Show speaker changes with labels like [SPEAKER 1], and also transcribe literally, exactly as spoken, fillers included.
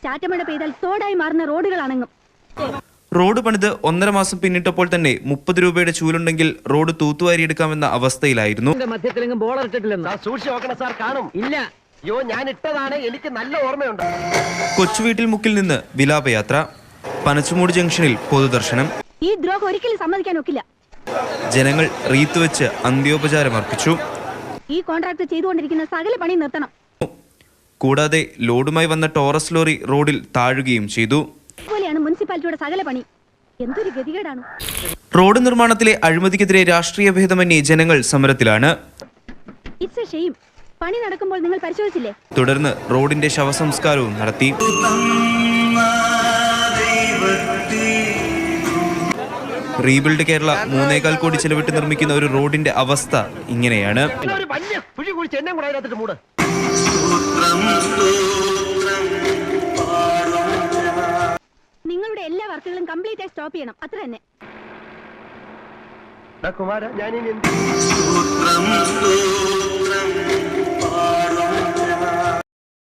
[SPEAKER 1] ചാറ്റമഴ പെയ്താൽ തോടായി മാറുന്ന റോഡുകളാണെന്നും.
[SPEAKER 2] റോഡ് പണിത് ഒന്നര മാസം പിന്നിട്ടപ്പോൾ തന്നെ മുപ്പത് രൂപയുടെ ചൂലുണ്ടെങ്കിൽ റോഡ് തൂത്തുവാരിയെടുക്കാമെന്ന അവസ്ഥയിലായിരുന്നു. കൊച്ചുവീട്ടിൽ മുക്കിൽ നിന്ന് വിലാപയാത്ര, പനച്ചുമൂട് ജംഗ്ഷനിൽ പൊതുദർശനം.
[SPEAKER 1] ഈ ദ്രോഹം ഒരിക്കലും സമ്മതിക്കാൻ ഒക്കില്ല.
[SPEAKER 2] ജനങ്ങൾ റീത്ത് വെച്ച് അന്ത്യോപചാരം അർപ്പിച്ചു.
[SPEAKER 1] ഈ കോൺട്രാക്ട് ചെയ്തുകൊണ്ടിരിക്കുന്ന സകല പണി നിർത്തണം.
[SPEAKER 2] കൂടാതെ ലോഡുമായി വന്ന ടോറസ് ലോറി റോഡിൽ താഴുകയും ചെയ്തു.
[SPEAKER 1] ഇതുപോലെയാണ് മുനിസിപ്പാലിറ്റിയുടെ സകല പണി. എന്തൊരു ഗതികേടാണ്.
[SPEAKER 2] റോഡ് നിർമ്മാണത്തിലെ അഴിമതിക്കെതിരെ രാഷ്ട്രീയ ഭേദമന്യേ ജനങ്ങൾ സമരത്തിലാണ്.
[SPEAKER 1] It's A shame. പണി നടക്കുമ്പോൾ നിങ്ങൾ പരിശോധിച്ചില്ലേ?
[SPEAKER 2] തുടർന്ന് റോഡിന്റെ ശവസംസ്കാരവും നടത്തി. റീബിൽഡ് കേരള മൂന്നേകാൽ കോടി ചെലവിട്ട് നിർമ്മിക്കുന്ന ഒരു റോഡിന്റെ അവസ്ഥ ഇങ്ങനെയാണ്.
[SPEAKER 1] നിങ്ങളുടെ എല്ലാ വർക്കുകളും കംപ്ലീറ്റ് ആയി സ്റ്റോപ്പ് ചെയ്യണം. അത്ര തന്നെ.